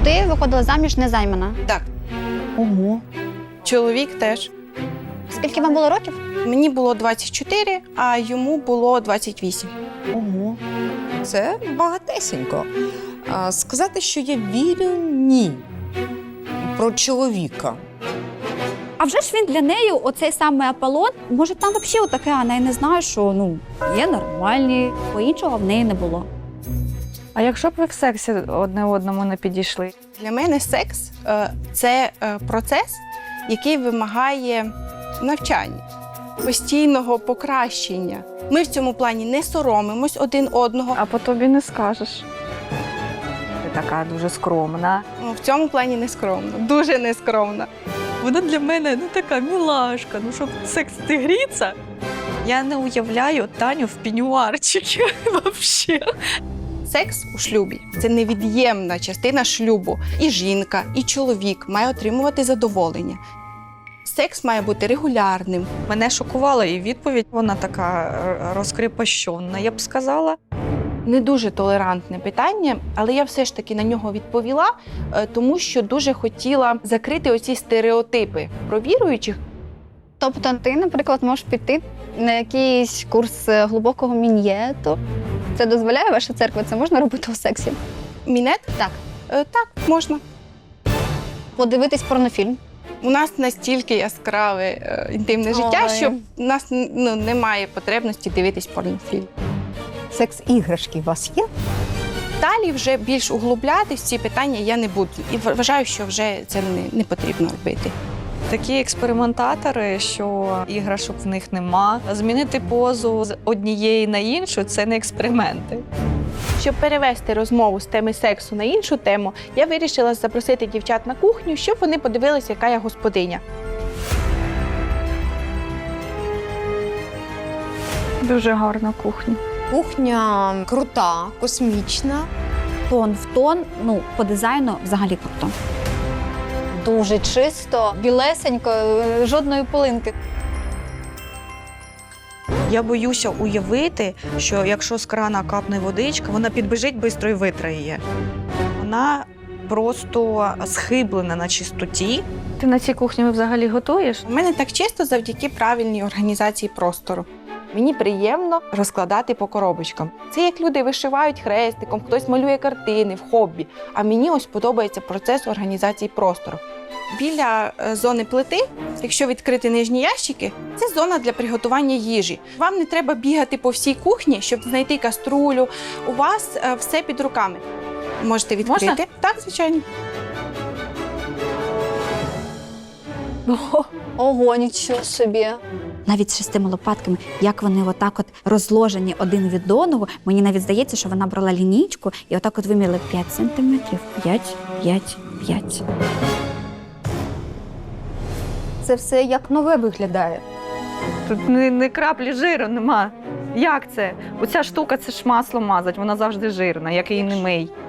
Ти виходила заміж незаймана? Так, Ого. чоловік теж. Скільки вам було років? Мені було 24, а йому було 28. Ого. Це багатесенько. Сказати, що я вірю – ні. Про чоловіка. А вже ж він для неї, оцей самий Аполлон, може там взагалі отаке, а я не знаю, що є нормальні, бо іншого в неї не було. А якщо б ви в сексі одне одному не підійшли? Для мене секс це процес, який вимагає навчання, постійного покращення. Ми в цьому плані не соромимось один одного. А по тобі не скажеш. Ти така дуже скромна. В цьому плані не скромно, дуже не скромно. Вона для мене така мілашка, щоб секс гріться. Я не уявляю Таню в пенюарчикі взагалі. Секс у шлюбі – це невід'ємна частина шлюбу. І жінка, і чоловік має отримувати задоволення. Секс має бути регулярним. Мене шокувала і відповідь, вона така розкріпощена, я б сказала. Не дуже толерантне питання, але я все ж таки на нього відповіла, тому що дуже хотіла закрити оці стереотипи про віруючих. Тобто ти, наприклад, можеш піти на якийсь курс глибокого мін'єту. Це дозволяє ваша церква? Це можна робити у сексі? Мінет? Так. Так, можна. Подивитись порнофільм. У нас настільки яскраве інтимне життя, Ой. що в нас немає потребності дивитись порнофільм. Секс-іграшки у вас є? Далі вже більш углублятись в ці питання я не буду. І вважаю, що вже це не потрібно робити. Такі експериментатори, що іграшок в них нема. Змінити позу з однієї на іншу – це не експерименти. Щоб перевести розмову з теми сексу на іншу тему, я вирішила запросити дівчат на кухню, щоб вони подивилися, яка я господиня. Дуже гарна кухня. Кухня крута, космічна. Тон в тон, по дизайну взагалі круто. Дуже чисто, білесенько, жодної пилинки. Я боюся уявити, що якщо з крана капне водичка, вона підбіжить швидко і витре її. Вона просто схиблена на чистоті. Ти на цій кухні взагалі готуєш? У мене так чисто завдяки правильній організації простору. Мені приємно розкладати по коробочкам. Це як люди вишивають хрестиком, хтось малює картини в хобі. А мені ось подобається процес організації простору. Біля зони плити, якщо відкрити нижні ящики, це зона для приготування їжі. Вам не треба бігати по всій кухні, щоб знайти каструлю. У вас все під руками. Можете відкрити. Можна? Так, звичайно. Ого, нічого собі. Навіть з 6 лопатками, як вони отак от розложені один від одного, мені навіть здається, що вона брала лінійку і отак от виміряли 5 сантиметрів. 5, 5, 5. Це все як нове виглядає. Тут не краплі жиру нема. Як це? Оця штука – це ж масло мазать, вона завжди жирна, як її не мий.